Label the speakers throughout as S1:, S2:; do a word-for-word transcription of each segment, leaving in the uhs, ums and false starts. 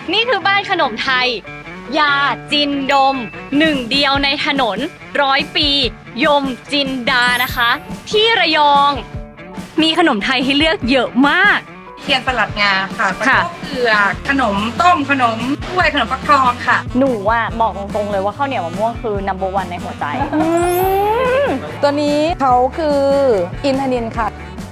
S1: นี่คือบ้านขนมไทยยาจินดมหนึ่งเดียวในถนนร้อยปียมจินดานะคะ ที่ระยองมีขนมไทยให้เลือกเยอะมาก
S2: เทียนสลัดงาค่ะปลาท่องเกลือขนมต้มขนมกล้วยขนมฟักทองค่ะ
S1: หนูอ่ะบอกตรงๆเลยว่าข้าวเหนียวมะม่วงคือ นัมเบอร์วัน ในหัวใจ
S3: ตัวนี้เขาคืออินทนินค่ะ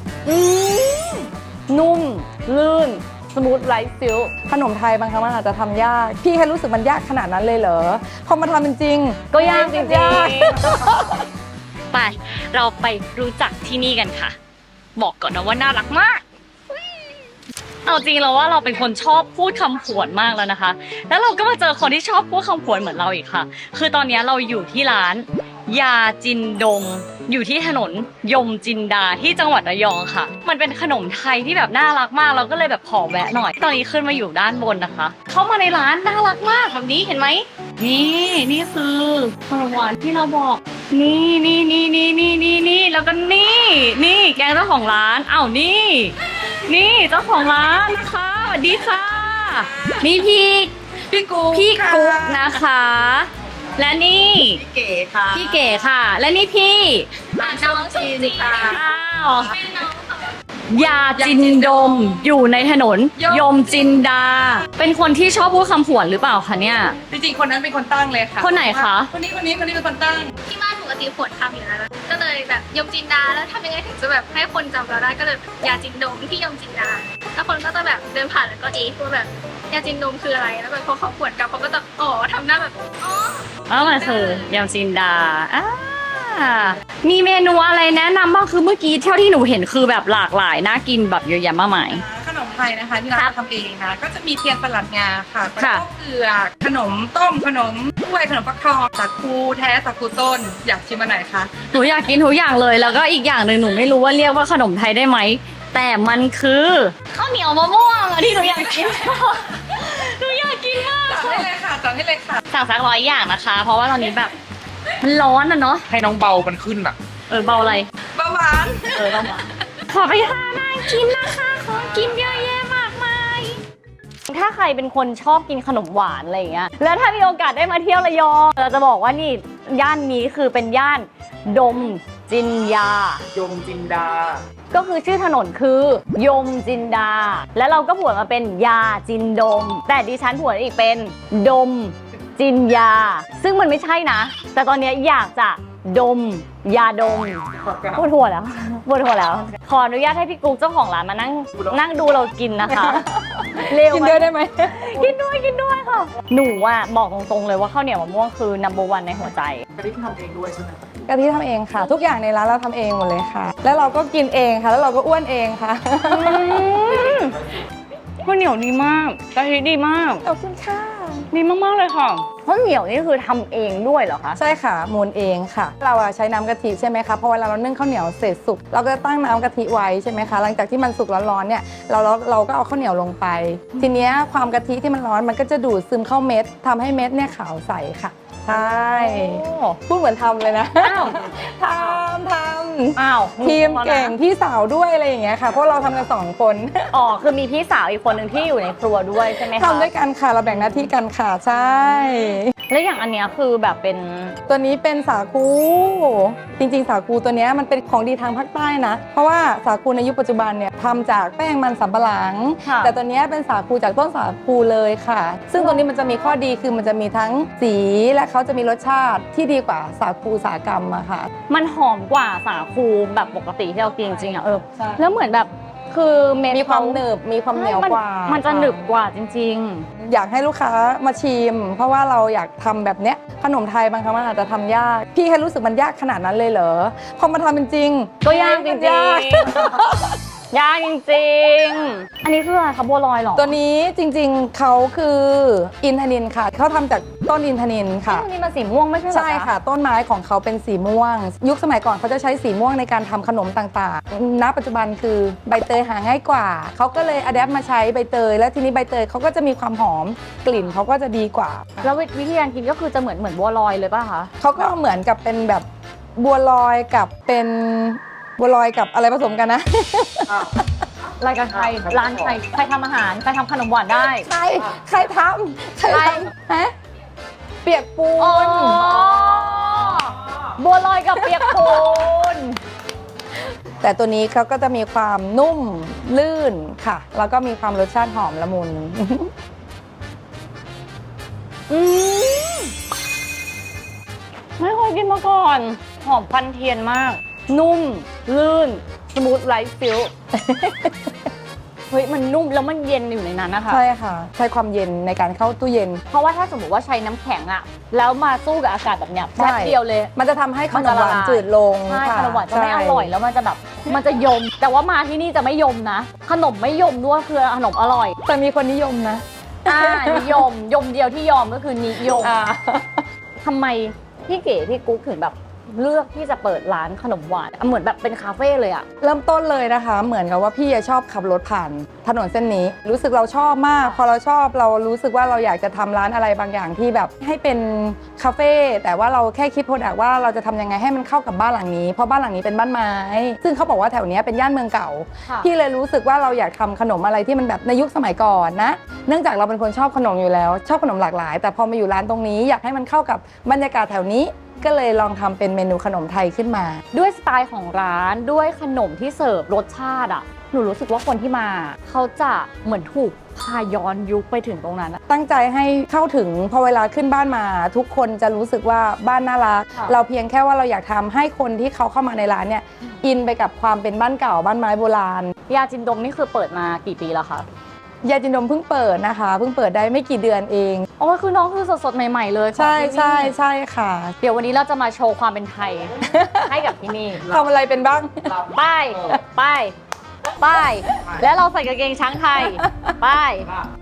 S1: นุ่มลื่นสมูทไร้ซิล
S3: ขนมไทยบางครั้งมันอาจจะทำยากพี่แค่รู้สึกมันยากขนาดนั้นเลยเหรอพอมาทำเป็นจริง
S1: ก็ยากจริงๆไปเราไปรู้จักที่นี่กันค่ะบอกก่อนนะว่าน่ารักมากเอาจริงแล้วว่าเราเป็นคนชอบพูดคำผวนมากแล้วนะคะแล้วเราก็มาเจอคนที่ชอบพูดคำผวนเหมือนเราอีกค่ะคือตอนนี้เราอยู่ที่ร้านยาจินดงอยู่ที่ถนนยมจินดาที่จังหวัดระยองค่ะมันเป็นขนมไทยที่แบบน่ารักมากเราก็เลยแบบขอแวะหน่อยตอนนี้ขึ้นมาอยู่ด้านบนนะคะเข้ามาในร้านน่ารักมากแบบนี้เห็นไหมนี่นี่คือขนมหวานที่เราบอกนี่นี่นี่นี่นี่นี่นี่แล้วก็นี่นี่แกงเจ้าของร้านอ้าวนี่นี่เจ้าของร้านนะคะสวัสดีค่ะนี่พี่
S2: พี่กุ๊ก
S1: พี่กุ๊กนะคะและนี่
S2: พี่เก๋ค่ะ
S1: พี่เก๋ค่ะและนี่พี่
S2: น้องจีนค่ะ
S1: ยาจินดมอยู่ในถนนยมจินดาเป็นคนที่ชอบพูดคำผวนหรือเปล่าคะเนี่ย
S2: จริงๆคนนั้นเป็นคนตั้งเลยค่ะ
S1: คนไหนคะ
S2: คนนี้คนนี้คนนี้เป็นคนตั้ง
S4: ที่บ้านปกติผวนทำอยู่แล้วก็เลยแบบยมจินดาแล้วทำยังไงถึงจะแบบให้คนจำเราได้ก็เลยยาจินดมที่ยมจินดาแล้วคนก็จะแบบเดินผ่านแล้วก็เอ๊ะว่าแบบยาจินดมคืออะไรแล้วแบบพอเขาผวนกลับเขาก็จะอ๋อทำหน้าแบบอ๋อ
S1: อ๋อมันคือยมจินดาอ่ามีเมนูอะไรแนะนำบ้างคือเมื่อกี้เท่าที่หนูเห็นคือแบบหลากหลายน่ากินแบบเยอะแยะมากมาย
S2: ขนมไทยนะคะที่เราทำเองนะก็จะมีเทียนสลัดงาค่ะปลาท่องเกลือขนมต้มขนมกล้วยขนมฟักทองสาคูแท้สาคูต้นอยากชิมอันไหนคะ
S1: หนูอยากกินทุกอย่างเลยแล้วก็อีกอย่างหนึ่งหนูไม่รู้ว่าเรียกว่าขนมไทยได้ไหมแต่มันคือข้าวเหนียวมะม่วงอะที่หนูอยากกินหนูอยากกินมาก
S2: สั่งให้เลยค่ะสั่งให้เลยค่ะ
S1: สั่งสักร้อยอย่างนะคะเพราะว่าตอนนี้แบบมันร้อนอะเนาะ
S5: ให้น้องเบามันขึ้นอะ
S1: เออเบาอะไร
S2: เบาหวาน
S1: เออเบาหวานขอไปหานั่งกินนะคะขอกินเยอะแยะมากมายถ้าใครเป็นคนชอบกินขนมหวานอะไรอย่างเงี้ยแล้วถ้ามีโอกาสได้มาเที่ยวระยองเราจะบอกว่านี่ย่านนี้คือเป็นย่านดมจินยาย
S5: มจินดา
S1: ก็คือชื่อถนนคือยมจินดาแล้วเราก็ผวนมาเป็นยาจินดมแต่ดิฉันผวนอีกเป็นดมจินยาซึ่งมันไม่ใช่นะแต่ตอนนี้อยากจะดมยาดมปวดหัวแล้วปวดหัวแล้วขออนุญาตให้พี่กุ๊กเจ้าของร้านมานั่งนั่งดูเรากินนะคะ
S3: เร็วกินด้วยได้ไหม
S1: กินด้วยกินด้วยค่ะหนูอ่ะบอกตรงๆเลยว่าข้าวเหนียวมะม่วงคือ นัมเบอร์วัน ในหัวใจ
S5: กะทิทำเองด้วยใช่ไหม
S3: กะทิทำเองค่ะทุกอย่างในร้านเราทำเองหมดเลยค่ะแล้วเราก็กินเองค่ะแล้วเราก็อ้วนเองค่ะ
S1: ข้าวเหนียวดีมากกะทิดีมาก
S3: ขอบคุณค่ะ
S1: ดีมากๆเลยค่ะข้าวเหนียวนี่คือทำเองด้วยเหรอคะ
S3: ใช่ค่ะมูนเองค่ะเราใช้น้ำกะทิใช่ไหมคะพอเวลาเรานึ่งข้าวเหนียวเสร็จสุกเราก็จะตั้งน้ำกะทิไว้ใช่ไหมคะหลังจากที่มันสุกร้อนๆเนี่ยเราเราก็เอาข้าวเหนียวลงไปทีนี้ความกะทิที่มันร้อนมันก็จะดูดซึมเข้าเม็ดทำให้เม็ดเนี่ยขาวใสค่ะใช่พูดเหมือนทำเลยนะทำทำ
S1: อ้าว
S3: ทีมเก่งพี่สาวด้วยอะไรอย่างเงี้ยค่ะเพราะเราทำกันสองคน
S1: อ๋อคือมีพี่สาวอีกคนหนึ่งที่อยู่ในครัวด้วยใช่ไหมคะ
S3: ทำด้วยกันค่ะเราแบ่งหน้าที่กันค่ะใช่
S1: แล้วอย่างอันเนี้ยคือแบบเป็น
S3: ตัวนี้เป็นสาคูจริงๆสาคูตัวนี้มันเป็นของดีทางภาคใต้นะเพราะว่าสาคูในยุคปัจจุบันเนี่ยทำจากแป้งมันสำปะหลังแต่ตัวนี้เป็นสาคูจากต้นสาคูเลยค่ะซึ่งตัวนี้มันจะมีข้อดีคือมันจะมีทั้งสีและเขาจะมีรสชาติที่ดีกว่าสาคูอุตสาหกรรมอะค่ะ
S1: มันหอมกว่าสาคูแบบปกติที่เรากินจริงๆอะเออแล้วเหมือนแบบคือเม็ด
S3: มีความหนึบมีความเหนียวกว่า
S1: มันจะหนึบกว่าจริง
S3: ๆอยากให้ลูกค้ามาชิมเพราะว่าเราอยากทำแบบเนี้ยขนมไทยบางครั้งมันอาจจะทำยากพี่แค่รู้สึกมันยากขนาดนั้นเลยเหรอพอมาทำเป็นจริง
S1: ก็ยากจริงๆยากจริงๆอันนี้คืออะไรคะบัวลอยหรอ
S3: ตัวนี้จริงๆเขาคืออินทนินค่ะเขาทำจากต้นอินทนินค่ะ
S1: ต้นนี้มันสีม่วงไม่ใช่เหรอ
S3: ใช่ค่ะต้นไม้ของเขาเป็นสีม่วงยุคสมัยก่อนเขาจะใช้สีม่วงในการทำขนมต่างๆณปัจจุบันคือใบเตยหาง่ายกว่าเขาก็เลยอะแดปมาใช้ใบเตยแล้วทีนี้ใบเตยเขาก็จะมีความหอมกลิ่นเขาก็จะดีกว่า
S1: แล้ววิธีการกินก็คือจะเหมือนเหมือนบัวลอยเลยป่ะคะ
S3: เขาก็เหมือนกับเป็นแบบบัวลอยกับเป็นบัวลอยกับอะไรผสมกันนะ
S1: รายการใครร้านใครใครทำอาหารใครทำขนมหวานได้
S3: ใครใครทำใคร
S1: ใคร
S3: ทำฮะเปียกปู
S1: อ๋อน บัวลอยกับเปียกปูน
S3: แต่ตัวนี้เขาก็จะมีความนุ่มลื่นค่ะ แล้วก็มีความรสชาติหอมละมุน
S1: อืมไม่เคยกินมาก่อน หอมควันเทียนมาก นุ่ม ลื่น สมูทไลท์ฟิล เฮ้ย มันนุ่มแล้วมันเย็นอยู่ในนั้นนะคะ
S3: ใช่ค่ะ ใช้ความเย็นในการเข้าตู้เย็น
S1: เพราะว่าถ้าสมมติว่าใช้น้ำแข็งอะแล้วมาสู้กับอากาศแบบเนี้ย
S3: ใช่
S1: แป๊บเดียวเลย
S3: มันจะทำให้ข
S1: มัน
S3: น
S1: จะ
S3: ม
S1: ละ
S3: หวาน
S1: ลาย
S3: จืดลง
S1: ใช่
S3: ค่ะ
S1: ขนมหวานจะไม่
S3: ใช่
S1: อร่อยแล้วมันจะแบบ มันจะยม แต่ว่ามาที่นี่จะไม่ยมนะ ขนมไม่ยมด้วยคือขนมอร่อย
S3: แต่มีคนนิยมนะ
S1: อ่านิยม ยมเดียวที่ยอมก็คือนิยม
S3: อ่า
S1: ทำไมพี่เก๋พี่กุ๊กถึงแบบเลือกที่จะเปิดร้านขนมหวานอ่ะเหมือนแบบเป็นคาเฟ่เลยอะ
S3: เริ่มต้นเลยนะคะ เหมือนกับว่าพี่ชอบขับรถผ่านถนนเส้นนี้ รู้สึกเราชอบมาก พอเราชอบเรารู้สึกว่าเราอยากจะทำร้านอะไรบางอย่างที่แบบให้เป็นคาเฟ่แต่ว่าเราแค่คิดโปรดักต์ว่าเราจะทำยังไงให้มันเข้ากับบ้านหลังนี้เพราะบ้านหลังนี้เป็นบ้านไม้ซึ่งเขาบอกว่าแถวเนี้ยเป็นย่านเมืองเก่า พี่เลยรู้สึกว่าเราอยากทำขนมอะไรที่มันแบบในยุคสมัยก่อนนะเนื่องจากเราเป็นคนชอบขนมอยู่แล้ว ชอบขนมหลากหลาย แต่พอมาอยู่ร้านตรงนี้อยากให้มันเข้ากับบรรยากาศแถวนี้ก็เลยลองทำเป็นเมนูขนมไทยขึ้นมา
S1: ด้วยสไตล์ของร้านด้วยขนมที่เสิร์ฟรสชาติอ่ะหนูรู้สึกว่าคนที่มาเขาจะเหมือนถูกพาย้อนยุคไปถึงตรงนั้นอะ
S3: ตั้งใจให้เข้าถึงพอเวลาขึ้นบ้านมา ทุกคนจะรู้สึกว่าบ้านน่ารัก
S1: ค่ะ
S3: เราเพียงแค่ว่าเราอยากทำให้คนที่เขาเข้ามาในร้านเนี่ยอินไปกับความเป็นบ้านเก่าบ้านไม้โบราณ
S1: ยาจินดมนี่คือเปิดมากี่ปีแล้วคะ
S3: ยาจินดมเพิ่งเปิดนะคะเพิ่งเปิดได้ไม่กี่เดือนเอง
S1: โอ้ยคือน้องคือสดๆใหม่ๆเลยของ
S3: ใช่
S1: ที่นี่
S3: ใช่ใช่ค่ะ
S1: เดี๋ยววันนี้เราจะมาโชว์ความเป็นไทย ให้กับที่นี่
S3: ทำอะไรเป็นบ้าง
S1: ป้ายป้ายป้ายแล้วเราใส่กางเกงช้างไทยป้าย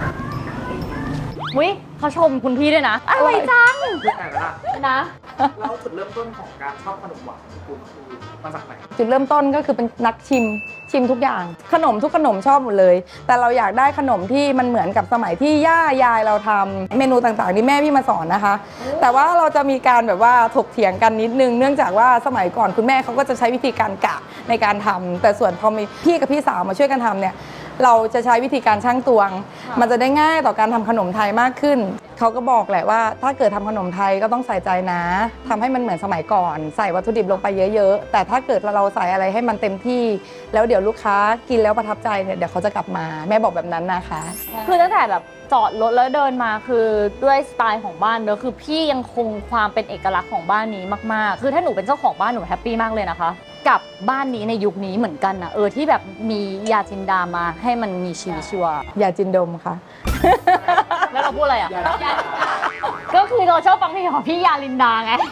S1: วิเขาชมคุณพี่ด้วยนะอะไรจัง
S5: เรื่องไหนล่ะ
S1: นะ
S5: เราจุดเริ่มต้นของการชอบขนมหวานของคุณคือมาจากไหน
S3: จุดเริ่มต้นก็คือเป็นนักชิมชิมทุกอย่าง ขนมทุกขนมชอบหมดเลย แต่เราอยากได้ขนมที่มันเหมือนกับสมัยที่ย่ายายเราทำเมนูต่างๆที่แม่พี่มาสอนนะคะ แต่ว่าเราจะมีการแบบว่าถกเถียงกันนิดนึง เนื่องจากว่าสมัยก่อนคุณแม่เขาก็จะใช้วิธีการกะในการทำแต่ส่วนพอมีพี่กับพี่สาวมาช่วยกันทำเนี่ยเราจะใช้วิธีการชั่งตวง มันจะได้ง่ายต่อการทำขนมไทยมากขึ้นเขาก็บอกแหละว่าถ้าเกิดทำขนมไทยก็ต้องใส่ใจนะทำให้มันเหมือนสมัยก่อน ใส่วัตถุดิบลงไปเยอะๆแต่ถ้าเกิดเราใส่อะไรให้มันเต็มที่ แล้วเดี๋ยวลูกค้ากินแล้วประทับใจเนี่ยเดี๋ยวเขาจะกลับมาแม่บอกแบบนั้นนะคะ
S1: คือตั้งแต่แบบจอดรถแล้วเดินมาคือด้วยสไตล์ของบ้านเนอะคือพี่ยังคงความเป็นเอกลักษณ์ของบ้านนี้มากๆคือถ้าหนูเป็นเจ้าของบ้านหนูแฮปปี้มากเลยนะคะกับบ้านนี้ในยุคนี้เหมือนกันนะเออที่แบบมียาจินดามาให้มันมีชีวิตชีวา
S3: อย่าจินดมค่ะ
S1: แล้วเราพูดอะไรอ่ะ ก็คือเราชอบฟังเพลงของพี่ยาลินดาไง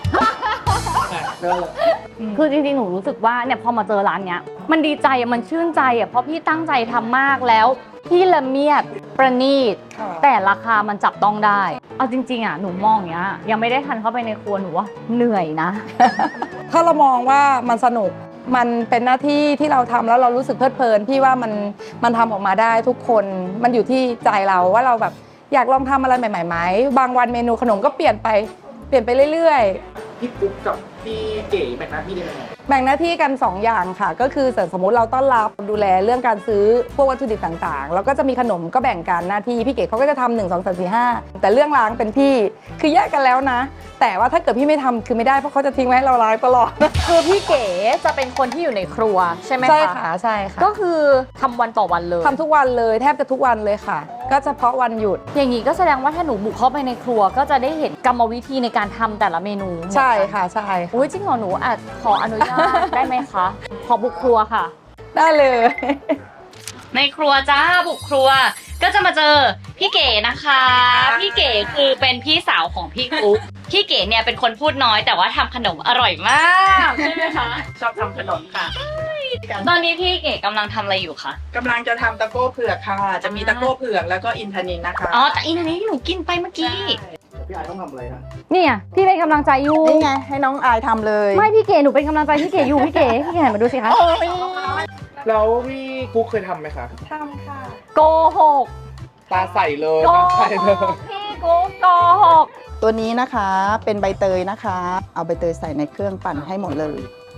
S1: คือจริงๆ หนูรู้สึกว่าเนี่ยพอมาเจอร้านเนี้ยมันดีใจอะมันชื่นใจอ่ะเพราะพี่ตั้งใจทำมากแล้วพี่ละเมียดประณีต
S3: ค่ะ
S1: แต่ราคามันจับต้องได้ เอาจริงๆอ่ะหนูมองอย่างเงี้ยยังไม่ได้ทันเข้าไปในครัวหนูว่าเหนื่อยนะ
S3: ถ้าเรามองว่ามันสนุกมันเป็นหน้าที่ที่เราทำแล้วเรารู้สึกเพลิดเพลินพี่ว่ามันมันทำออกมาได้ทุกคนมันอยู่ที่ใจเราว่าเราแบบอยากลองทำอะไรใหม่ๆไหมบางวันเมนูขนมก็เปลี่ยนไปเปลี่ยนไปเรื่อยๆ
S5: พี่กุ๊กกับพี่เก๋แบ่งหน้าที่ได้ยังไง
S3: แบ่งหน้าที่กัน สอง อย่างค่ะ ก็คือสมมติเราต้อนรับดูแลเรื่องการซื้อพวกวัตถุดิบต่างๆ แล้วก็จะมีขนมก็แบ่งกันหน้าที่พี่เก๋เขาก็จะทำหนึ่งสองสามสี่ห้าแต่เรื่องล้างเป็นพี่คือแยกกันแล้วนะ แต่ว่าถ้าเกิดพี่ไม่ทำคือไม่ได้เพราะเขาจะทิ้งไว้ให้เราล้างตลอด
S1: คือพี่เก๋จะเป็นคนที่อยู่ในครัวใช่ไหมคะ
S3: ใช่ค่ะใช่ค่ะ
S1: ก็คือทำวันต่อวันเลย
S3: ทำทุกวันเลยแทบจะทุกวันเลยค่ะ ก็เฉพาะวันหยุด
S1: อย่างนี้ก็แสดงว่าถ้าหนูบุกเข้าไปในครัวก็จะได้เห็นกรรมวิธีในการทำแต่ละเมนู
S3: ใช่ค่ะใช่
S1: อุ้ยจริงเหรอหนูอาจขออนุญาต ได้ไหมคะ ขอบุกครัวค่ะ
S3: ได้เลย
S1: ในครัวจ้าบุกครัว ก็จะมาเจอพี่เก๋นะคะ พี่เก๋คือเป็นพี่สาวของพี่กุ๊กพี่เก๋เนี่ยเป็นคนพูดน้อยแต่ว่าทำขนมอร่อยมากใช่ไหมคะ
S2: ชอบทำขนมค่ะ
S1: ตอนนี้พี่เก๋กำลังทำอะไรอยู่คะ
S2: กำลังจะทำตะโก้เผือกค่ะ จะมีตะโก้เผือกแล้วก็อินทนินนะคะ
S1: อ๋อแต่อีนนี้ที่หนูกินไปเมื่อกี้
S5: พี่ไอต้องทำอะไรนะ
S1: เนี่ยพี่เป็นกำลังใจอยู่
S3: นี่ไงให้น้องอายทำเลย
S1: ไม่พี่เก๋หนูเป็นกำลังใจพี่เก๋อยู่พี่เก๋พี่เก๋หันมาดูสิคะ
S5: แล้วพี่กุ๊กเคยทำไหมคะ
S2: ทำค่ะ
S1: โกหก
S5: ตาใสเลย
S1: โก
S5: ตาใส
S1: ห
S5: เลย
S1: กพี่กุ๊กโกหก
S6: ตัวนี้นะคะเป็นใบเตยนะคะ เอาใบเตยใส่ในเครื่องปั่นให้หมดเลย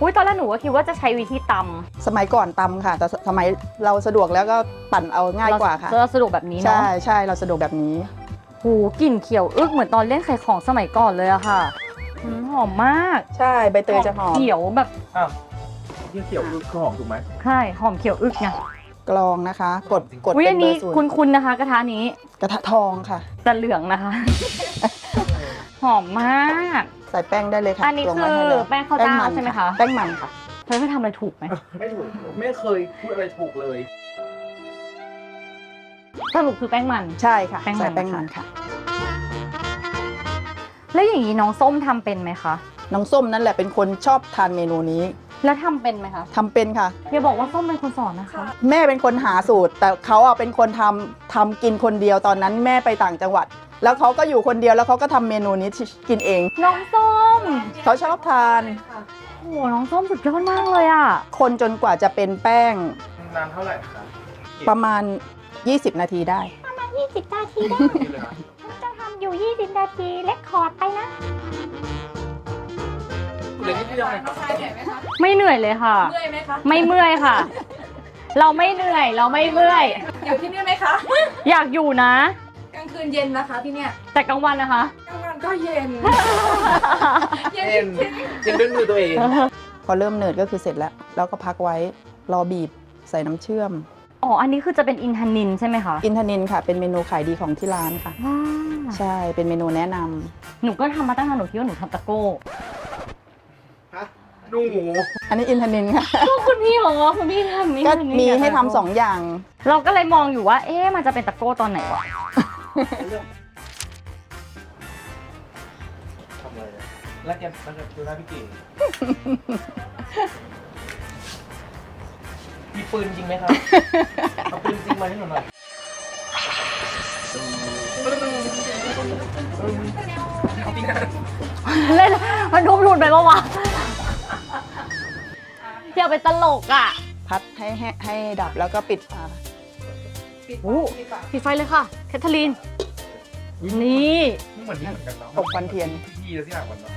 S1: อุ้ยตอนแรกหนูก็คิดว่าจะใช้วิธีต
S3: สมัยก่อนตำค่ะ แต่สมัยเราสะดวกแล้วก็ปั่นเอา
S1: ำ
S3: ง่ายกว่าค่ะ
S1: เราสะดวกแบบนี้เนาะ
S3: ใช่ใช่เราสะดวกแบบนี้
S1: หูกลิ่นเขียวอึกเหมือนตอนเล่นไข่ของสมัยก่อนเลยอะค่ะอืมหอมมาก
S3: ใช่ใบเตยจะหอม
S1: เขียวแบบ
S5: อ้าวที่เขียวคือหอมถูกไหม
S1: ใช่หอมเขียวอึกไง
S3: กรองนะคะ กดกด
S1: อุ้ย
S3: เป็
S1: อั
S3: น
S1: น
S3: เบอ
S1: นี้
S3: ร์ศูน
S1: คุณ
S3: ย์
S1: คุณนะคะ กระทะนี้
S3: กระทะทองค่ะ
S1: แต่เหลืองนะคะ หอมมาก
S3: ใส่แป้งได้เลยค่ะ
S1: อันนี้
S3: ตวงไว้
S1: คือ
S3: ให้ล้ว
S1: แป้งข้าวเจ้า
S3: มัน
S1: ใช่ไหมคะ
S3: แป้งมันค่ะ
S1: เธอไม่ทำอะไรถูกไหม
S5: ไม่ถูกไม่เคยพูดอะไรถูกเลย
S1: สรุปคือแป้งมัน
S3: ใช่ค่ะ
S1: แป้งมัน
S3: ใส่แป้งมันค่ะ
S1: แล้วอย่างนี้น้องส้มทำเป็นไหมคะ
S3: น้องส้มนั่นแหละเป็นคนชอบทานเมนูนี้
S1: แล้วทำเป็นไหมคะ
S3: ทำเป็นค่ะ
S1: อย่าบอกว่าส้มเป็นคนสอนนะคะ
S3: แม่เป็นคนหาสูตร แต่เขาอ่ะเป็นคนทำทำกินคนเดียวตอนนั้นแม่ไปต่างจังหวัด แล้วเขาก็อยู่คนเดียวแล้วเขาก็ทำเมนูนี้กินเอง
S1: น้องส้ม
S3: เขาชอบทาน
S1: โอ้โหน้องส้มสุดยอดมากเลยอะ
S3: คนจนกว่าจะเป็นแป้ง
S5: นานเท่าไหร่คะ
S3: ประมาณ ยี่สิบ นาทีได้
S1: ยี่สิบนาทีได้
S5: เลยนะ
S1: จะทำอยู่ยี่สิบนาทีเล็กคอร์ดไปนะ
S5: เดี๋ยวนี้ที่ยังไง
S2: น้องชายเหนื่อยไหมคะ
S1: ไม่เหนื่อยเลยค่ะ
S2: เมื่อยไหมคะ
S1: ไม่เมื่อยค่ะ เราไม่เหนื่อยเราไม่เมื่อย
S2: อยู่ที่นี่ไหมคะ
S1: อยากอยู่นะ
S2: กลางคืนเย็นนะคะที่เนี่ย
S1: แต่กลางวันนะคะ
S2: กลางวันก็เย็น เย็น
S5: เอ็น
S2: จริง
S5: เอ็นด้วยมือตัวเอง
S3: พอเริ่มเนิร์ดก็คือเสร็จแล้ว แล้วก็พักไว้รอบีบใส่น้ำเชื่อม
S1: อ๋อ อันนี้คือจะเป็นอินทนินใช่ไหมคะ
S3: อินทนินค่ะ เป็นเมนูขายดีของที่ร้านค่ะ
S1: ว้า
S3: ใช่ เป็นเมนูแนะนำ
S1: หนูก็ทำมาตั้งนานหนูคิดว่าหนูทำตะโก้
S5: ฮะหนูหมู
S3: อันนี้อินทนินค่ะ
S1: ก็คุณพี่บอกว่าคุณพี่ทำนี่
S3: ก็
S1: ทำนี่
S3: มี
S1: เนี่ย
S3: ให้ทำสองอย่าง
S1: เราก็เลยมองอยู่ว่า เอ๊ะมันจะเป็นตะโก้ตอนไหนวะ
S5: ทำอะไรอะแล้วแกแล้วแกดูหน้าพี่เก๋มีปืนจริงไหมครับ เอาปืนจริงมาให้หนูหน่อย จริงนะ
S1: เล่นมันทุบหลุดไปปะวะเที่ยวเป็นตลกอ่ะ
S3: พัดให้ให้ให้ดับแล้วก็ปิดฝา
S2: ปิด
S1: โอ้
S2: ปิดปาก
S1: ปิดไฟเลยค่ะ แคทเธอรีน นี่
S5: เหมือนนี่เหมือนกันเนาะ
S3: ตบควันเทียน
S5: พี่แล้วที่ห่างกันเนาะ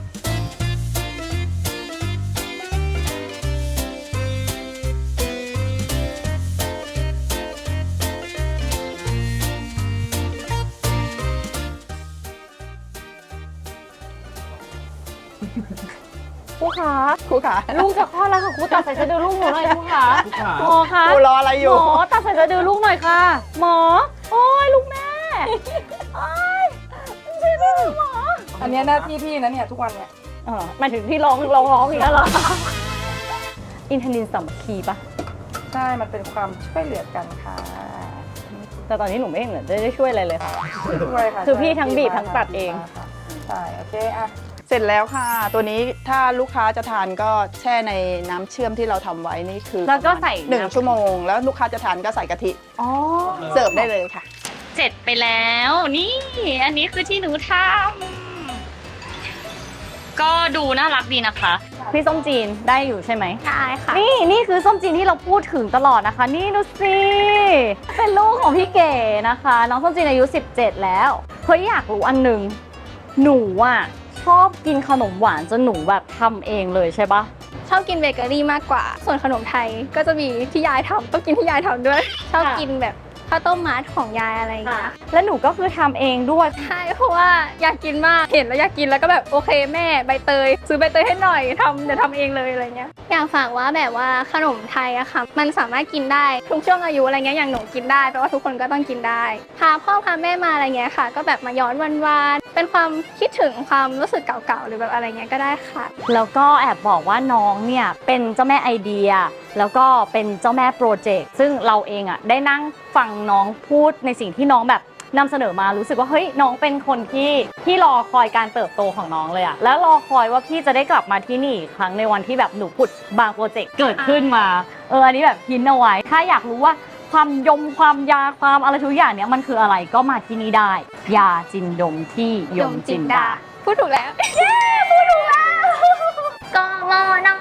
S1: ครูขา
S3: ครูขา
S1: ลูกจะคลอดแล้วค่ะครูตัดใส่สะดือลูกหนูหน่อยครูขา
S5: ลูกขา
S1: หมอคะ
S3: ครูรออะไรอ
S1: หม
S3: ยู่
S1: อตัดใส่สะดือลูกหน่อยค่ะ หมอ โอ้ยลูกแม่โอ้ยช่วยด้วยหมอ
S3: อันนี้หน้าที่พี่นะเนี่ยทุกวันเนี่ย
S1: เออหมายถึงที่ร้องร้องร้องอย่างนี้เหรอ อินทนินสามัคคีปะ
S3: ใช่ มันเป็นความช่วยเหลือกันค่ะ
S1: แต่ตอนนี้หนูไม่เห็นเหมือนจะได้ช่วยอะไรเลยค่ะ
S3: ช่วยค่ะ
S1: คือพี่ทั้งบีบทั้งตัดเอง
S3: ใช่ โอเคอ่ะ เสร็จแล้วค่ะ ตัวนี้ถ้าลูกค้าจะทานก็แช่ในน้ำเชื่อมที่เราทำไว้นี่คือ
S1: แล้วก็ใส่
S3: หนึ่ง
S1: น้ำ
S3: ชั่วโมง แล้วลูกค้าจะทานก็ใส่กะทิ
S1: อ๋อ
S3: เสิร์ฟได้เลยค่ะ
S1: เสร็จไปแล้ว นี่ อันนี้คือที่หนูทำก็ดูน่ารักดีนะคะ พี่ส้มจีนได้อยู่ใช่ไหม
S4: ได้ค่ะ
S1: นี่นี่คือส้มจีนที่เราพูดถึงตลอดนะคะ นี่ดูสิเป็นลูกของพี่เก๋นะคะ น้องส้มจีนอายุสิบเจ็ดแล้วเฮ้ยอยากรู้อันหนึ่งหนูอ่ะชอบกินขนมหวานจนหนูแบบทำเองเลยใช่ปะ
S4: ชอบกินเบเกอรี่มากกว่า ส่วนขนมไทยก็จะมีที่ยายทำต้องกินที่ยายทำด้วย ชอบกินแบบข้าวต้มมัดของยายอะไรอย่างเงี้ย
S1: แล้วหนูก็คือทำเองด้วย
S4: ใช่เพราะว่าอยากกินมาก เห็นแล้วอยากกินแล้วก็แบบโอเคแม่ใบเตย ซื้อใบเตยให้หน่อยทำเดี๋ยวทำเองเลยอะไรเงี้ย อยากฝากว่าแบบว่าขนมไทยอะค่ะ มันสามารถกินได้ทุกช่วงอายุอะไรเงี้ย อย่างหนูกินได้แปลว่าทุกคนก็ต้องกินได้ พาพ่อพาแม่มาอะไรเงี้ยค่ะ ก็แบบมาย้อนวันวานๆเป็นความคิดถึงความรู้สึกเก่าๆหรือแบบอะไรเงี้ยก็ได้ค่ะ
S1: แล้วก็แอบบอกว่าน้องเนี่ยเป็นเจ้าแม่ไอเดีย แล้วก็เป็นเจ้าแม่โปรเจกต์ซึ่งเราเองอ่ะได้นั่งฟังน้องพูดในสิ่งที่น้องแบบนำเสนอมารู้สึกว่าเฮ้ยน้องเป็นคนที่ที่รอคอยการเติบโตของน้องเลยอะแล้วรอคอยว่าพี่จะได้กลับมาที่นี่อีกครั้งในวันที่แบบหนูผุดบางโปรเจกต์เกิดขึ้นมาเอออันนี้แบบพินเอาไว้ถ้าอยากรู้ว่าความยมความยาความอะไรทุกอย่างเนี้ยมันคืออะไรก็มาที่นี่ได้ยาจินดงที่ยมจินดา
S4: พูดถูกแล้ว เย้พูดถูกแล้ว ก็งอน